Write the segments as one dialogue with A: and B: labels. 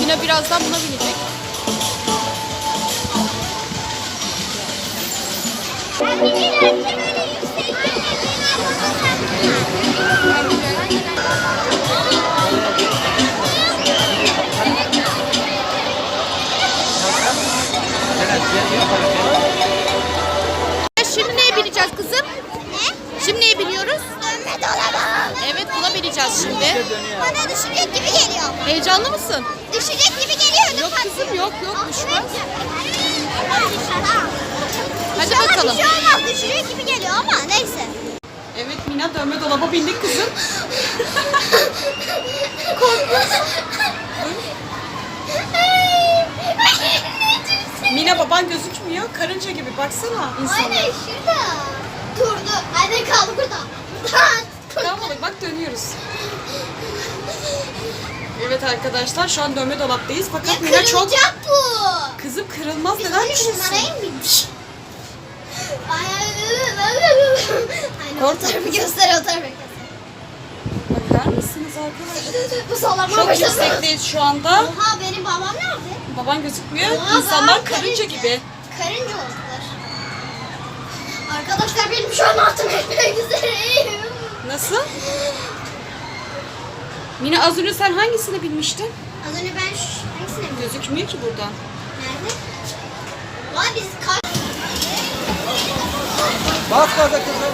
A: Mina birazdan buna binecek.
B: Ben bir kere böyle yüksek
A: Şimdi neye bineceğiz kızım?
B: Ne?
A: Şimdi neye biniyoruz?
B: Dönme dolaba.
A: Evet, buna bineceğiz şimdi.
B: Bana düşecek gibi geliyor.
A: Heyecanlı mısın?
B: Düşecek gibi geliyor.
A: Yok kızım, yok düşmez. Hadi
B: İnşallah
A: bakalım.
B: bir şey olmaz. Düşecek gibi geliyor ama neyse.
A: Evet Mina, dönme dolaba bindik kızım. Mina, baban gözükmüyor. Karınca gibi baksana insana.
B: Aynen şurada. Durdu. Anne kaldı burada.
A: Tamam oğlum, bak dönüyoruz. Evet arkadaşlar, şu an dönme dolaptayız.
B: Ya
A: Fakat Mina çok...
B: kırılacak bu.
A: Kızım kırılmaz,
B: Biz
A: neden
B: böyle
A: kırılsın?
B: şunlara mı bindik? Aynen o
A: Korkma
B: tarafı
A: kızım.
B: göster, o tarafı göster.
A: Bakar mısınız arkadaşlar?
B: Bu sallanma
A: Çok
B: başladı.
A: yüksekteyiz şu anda.
B: Oha, benim babam nerede?
A: Baban gözükmüyor.
B: Oha,
A: İnsanlar
B: babam
A: karınca gibi.
B: Karınca oldular. Arkadaşlar benim şu an altım etmek üzereyim.
A: Nasıl? Mina, az önce sen hangisine binmiştin?
B: Az önce ben hangisine mi?
A: Gözükmüyor ki buradan.
B: Nerede? Vay biz kaç...
C: Bas gaza kızım.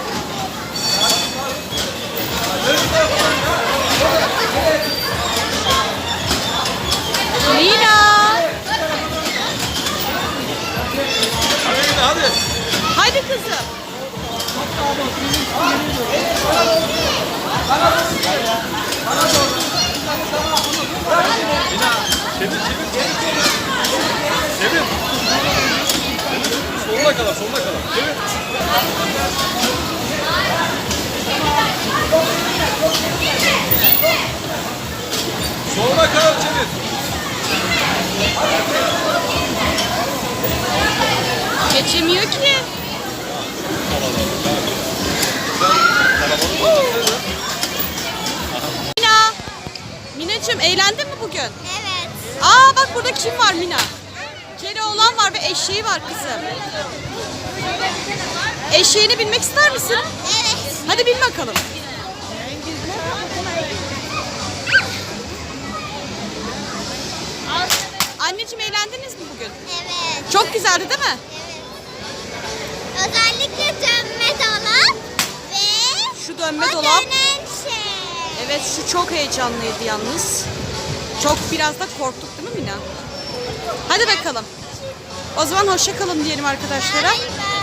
A: Mina!
C: Hadi.
A: Hadi kızım.
C: Çevir. Sonuna kadar, sonuna kadar. Çevir. Sonuna kadar çevir.
A: Geçemiyor ki. Mina! Minacığım, eğlendin mi bugün?
B: Evet.
A: Aa bak, burada kim var Mina? Keloğlan var ve eşeği var kızım. Eşeğine binmek ister misin?
B: Evet.
A: Hadi bin bakalım. Anneciğim, eğlendiniz mi bugün?
B: Evet.
A: Çok güzeldi değil mi?
B: Evet. Özellikle dönme dolap ve
A: Şu dönme
B: o
A: dolap.
B: dönen şey.
A: Evet, şu çok heyecanlıydı yalnız. Çok, biraz da korktuk değil mi Mina? Hadi bakalım. O zaman hoşça kalın diyelim arkadaşlara.
B: Bay bay.